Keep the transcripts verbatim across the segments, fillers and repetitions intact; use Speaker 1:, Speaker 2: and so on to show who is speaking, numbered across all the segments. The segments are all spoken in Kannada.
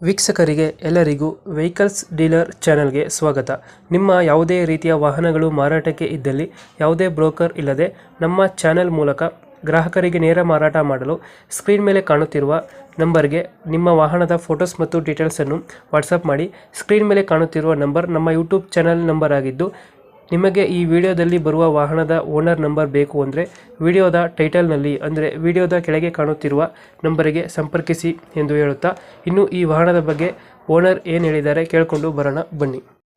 Speaker 1: ವೀಕ್ಷಕರಿಗೆ ಎಲ್ಲರಿಗೂ ವೆಹಿಕಲ್ಸ್ ಡೀಲರ್ ಚಾನೆಲ್ಗೆ ಸ್ವಾಗತ. ನಿಮ್ಮ ಯಾವುದೇ ರೀತಿಯ ವಾಹನಗಳು ಮಾರಾಟಕ್ಕೆ ಇದ್ದಲ್ಲಿ ಯಾವುದೇ ಬ್ರೋಕರ್ ಇಲ್ಲದೆ ನಮ್ಮ ಚಾನೆಲ್ ಮೂಲಕ ಗ್ರಾಹಕರಿಗೆ ನೇರ ಮಾರಾಟ ಮಾಡಲು ಸ್ಕ್ರೀನ್ ಮೇಲೆ ಕಾಣುತ್ತಿರುವ ನಂಬರ್ಗೆ ನಿಮ್ಮ ವಾಹನದ ಫೋಟೋಸ್ ಮತ್ತು ಡೀಟೇಲ್ಸನ್ನು ವಾಟ್ಸಪ್ ಮಾಡಿ. ಸ್ಕ್ರೀನ್ ಮೇಲೆ ಕಾಣುತ್ತಿರುವ ನಂಬರ್ ನಮ್ಮ ಯೂಟ್ಯೂಬ್ ಚಾನೆಲ್ ನಂಬರ್ ಆಗಿದ್ದು, ನಿಮಗೆ ಈ ವಿಡಿಯೋದಲ್ಲಿ ಬರುವ ವಾಹನದ ಓನರ್ ನಂಬರ್ ಬೇಕು ಅಂದರೆ ವಿಡಿಯೋದ ಟೈಟಲ್ನಲ್ಲಿ ಅಂದರೆ ವಿಡಿಯೋದ ಕೆಳಗೆ ಕಾಣುತ್ತಿರುವ ನಂಬರಿಗೆ ಸಂಪರ್ಕಿಸಿ ಎಂದು ಹೇಳುತ್ತಾ, ಇನ್ನು ಈ ವಾಹನದ ಬಗ್ಗೆ ಓನರ್ ಏನು ಹೇಳಿದ್ದಾರೆ ಕೇಳಿಕೊಂಡು ಬರೋಣ ಬನ್ನಿ.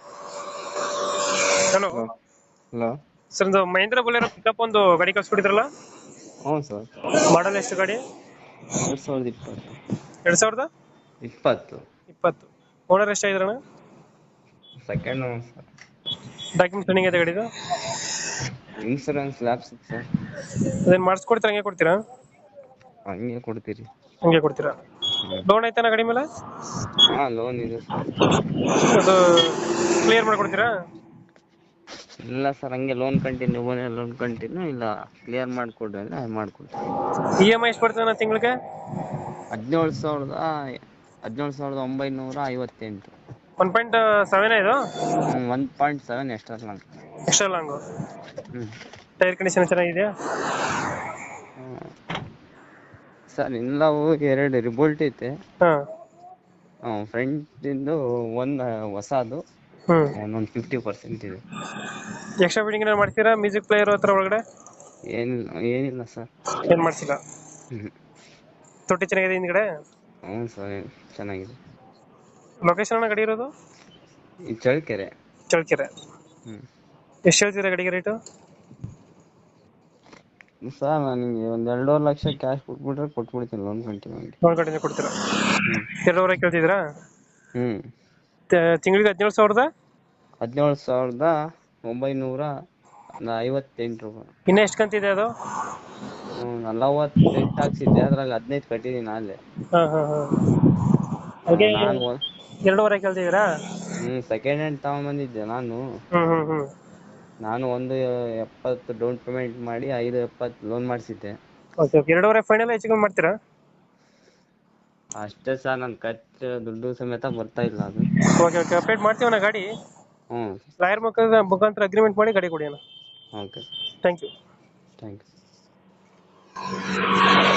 Speaker 1: ಹಲೋ
Speaker 2: ಹಲೋ
Speaker 1: ಸರ್, ಒಂದು ಮಹೇಂದ್ರ ಬೊಲೆರೋ ಪಿಕಪ್ ಒಂದು ಗಾಡಿ ಕಳ್ಸ್ಕೊಟ್ಟಿದ್ರಲ್ಲ,
Speaker 2: ಹ್ಞೂ ಸರ್.
Speaker 1: ಮಾಡಲ್ ಎಷ್ಟು ಗಾಡಿ?
Speaker 2: ಎರಡು ಸಾವಿರದ ಇಪ್ಪತ್ತು
Speaker 1: ಎರಡು ಸಾವಿರದ
Speaker 2: ಇಪ್ಪತ್ತು
Speaker 1: ಇಪ್ಪತ್ತು ಓನರ್ ಎಷ್ಟಾಗಿದ್ರಣ?
Speaker 2: Second sir.
Speaker 1: ಡಾಕ್ಯುಮೆಂಟ್ಸ್ ರನ್ನಿಂಗ್ ಇದೆ ಗಾಡಿದು?
Speaker 2: Insurance lapse sir.
Speaker 1: ಅದೇನು ಮಾಡಿಸ್ಕೊಡ್ತೀರಾ ಹಂಗೆ ಕೊಡ್ತೀರಾ?
Speaker 2: ಹಂಗೆ ಕೊಡ್ತೀರಿ.
Speaker 1: ಹಂಗೆ ಕೊಡ್ತೀರಾ? ಲೋನ್ ಐತಾನ ಗಾಡಿ ಮೇಲೆ?
Speaker 2: ಹಾಂ, ಲೋನ್ ಇದೆ ಸರ್.
Speaker 1: ಅದು ಕ್ಲಿಯರ್ ಮಾಡ್ಕೊಡ್ತೀರಾ?
Speaker 2: ಇಲ್ಲ ಸರ್, ಹಂಗೆ ಲೋನ್ ಕಂಟಿನ್ಯೂ ಲೋನ್ ಕಂಟಿನ್ಯೂ ಇಲ್ಲ ಕ್ಲಿಯರ್ ಮಾಡಿಕೊಡ್ರಿ ಅಂದರೆ ಮಾಡಿಕೊಡ್ತೀವಿ.
Speaker 1: ಇ ಎಮ್ ಐ ಎಷ್ಟು ಬರ್ತದೆ ನಾನು ತಿಂಗಳಿಗೆ?
Speaker 2: ಹದಿನೇಳು ಸಾವಿರದ ಹದಿನೇಳು ಸಾವಿರದ ಒಂಬೈನೂರ ಐವತ್ತೆಂಟು.
Speaker 1: ಒನ್ ಪಾಯಿಂಟ್ ಸೆವೆನ್ ಇದು?
Speaker 2: ಹ್ಞೂ, one point seven extra long.
Speaker 1: Extra long?
Speaker 2: ಹ್ಞೂ.
Speaker 1: ಟೈರ್ ಕಂಡೀಷನ್ ಚೆನ್ನಾಗಿದೆಯಾ?
Speaker 2: ಹ್ಞೂ ಸರ್, ಎಲ್ಲವೂ ಎರಡು ರಿಬೋಲ್ಟ್ ಐತೆ.
Speaker 1: ಹಾಂ.
Speaker 2: ಹಾಂ, ಫ್ರಂಟಿಂದು ಒಂದು ಹೊಸದು,
Speaker 1: ಹ್ಞೂ.
Speaker 2: ಒಂದೊಂದು ಫಿಫ್ಟಿ ಪರ್ಸೆಂಟ್ ಇದೆ.
Speaker 1: ಎಕ್ಸ್ಟ್ರಾ ಫಿಟ್ಟಿಂಗ್ ಏನಾರು ಮಾಡ್ತೀರಾ? ಮ್ಯೂಸಿಕ್ ಪ್ಲೇಯರ್ ಹತ್ರ ಒಳಗಡೆ
Speaker 2: ಏನಿಲ್ಲ ಏನಿಲ್ಲ ಸರ್.
Speaker 1: ಏನು ಮಾಡ್ಸಿಲ್ಲ?
Speaker 2: ಹ್ಞೂ.
Speaker 1: ತೊಟ್ಟಿ ಚೆನ್ನಾಗಿದೆ ಹಿಂದ್ಗಡೆ?
Speaker 2: ಹ್ಞೂ ಸರ್, ಚೆನ್ನಾಗಿದೆ.
Speaker 1: ಲೊಕೇಶನ್ ಗಾಡಿ ಇರೋದು?
Speaker 2: ಈ ಚಳ್ಳಕೆರೆ.
Speaker 1: ಚಳ್ಳಕೆರೆ.
Speaker 2: ಹ್ಞೂ.
Speaker 1: ಎಷ್ಟು ಹೇಳ್ತೀರಾ ಗಾಡಿಗೆ ರೇಟು?
Speaker 2: ಸರ್, ನನಗೆ ಒಂದು ಎರಡೂವರೆ ಲಕ್ಷ ಕ್ಯಾಶ್ ಕೊಟ್ಬಿಟ್ರೆ ಕೊಟ್ಬಿಡ್ತೀನಿ ಲೋನ್ ಕಂಟಿನ್ಯೂ ಆಗಿ.
Speaker 1: ಲೋನ್ ಕಡಿಮೆ ಕೊಡ್ತೀರಾ?
Speaker 2: ಹ್ಞೂ.
Speaker 1: ಎರಡೂವರೆ ಕೇಳ್ತಿದ್ದೀರಾ?
Speaker 2: ಹ್ಞೂ.
Speaker 1: ತಿಂಗಳಿಗೆ ಹದಿನೇಳು ಸಾವಿರದ
Speaker 2: ಹದಿನೇಳು ಸಾವಿರದ ಒಂಬೈನೂರ ಐವತ್ತೆಂಟು ರೂಪಾಯಿ.
Speaker 1: ಇನ್ನೂ ಎಷ್ಟು ಕಂತಿದೆ ಅದು?
Speaker 2: ಹ್ಞೂ, ನಲವತ್ತೆಂಟು ಹಾಕ್ಸಿದ್ದೆ, ಅದ್ರಾಗ ಹದಿನೈದು ಕಟ್ಟಿದ್ದೀನಿ ಅಲ್ಲೇ.
Speaker 1: ಹಾಂ ಹಾಂ ಹಾಂ. ಹಾಗೆ
Speaker 2: ನಾನು
Speaker 1: ಎರಡೂವರೆ ಕೇಳ್ತಿದ್ದೀರಾ?
Speaker 2: ಹ್ಞೂ ಸೆಕೆಂಡ್ ಹ್ಯಾಂಡ್ ತಗೊಂಬಂದಿದ್ದೆ ನಾನು.
Speaker 1: ಹ್ಞೂ ಹ್ಞೂ ಹ್ಞೂ.
Speaker 2: ನಾನು ಒಂದು ಎಪ್ಪತ್ತು ಡೌನ್ ಪೇಮೆಂಟ್ ಮಾಡಿ ಐದು ಎಪ್ಪತ್ತು ಲೋನ್ ಮಾಡಿಸಿದ್ದೆ.
Speaker 1: Okay okay. ಎರಡೂವರೆ ಫೈನಲ್ ಹೆಚ್ಚು ಕಮ್ಮಿ ಮಾಡ್ತೀರಾ?
Speaker 2: ಅಷ್ಟೇ ಸರ್, ನನ್ನ ಖರ್ಚು ದುಡ್ಡು ಸಮೇತ ಬರ್ತಾ ಇಲ್ಲ ಅದು.
Speaker 1: Okay okay. ಅಪ್ಡೇಟ್ ಮಾಡ್ತೀವಣ್ಣ ಗಾಡಿ.
Speaker 2: ಹ್ಞೂ.
Speaker 1: ಲಾಯರ್ ಮುಖಾಂತರ ಮುಖಾಂತರ ಅಗ್ರಿಮೆಂಟ್ ಮಾಡಿ ಗಾಡಿ ಕೊಡಿ ಅಣ್ಣ.
Speaker 2: Okay.
Speaker 1: Thank you.
Speaker 2: Thank you.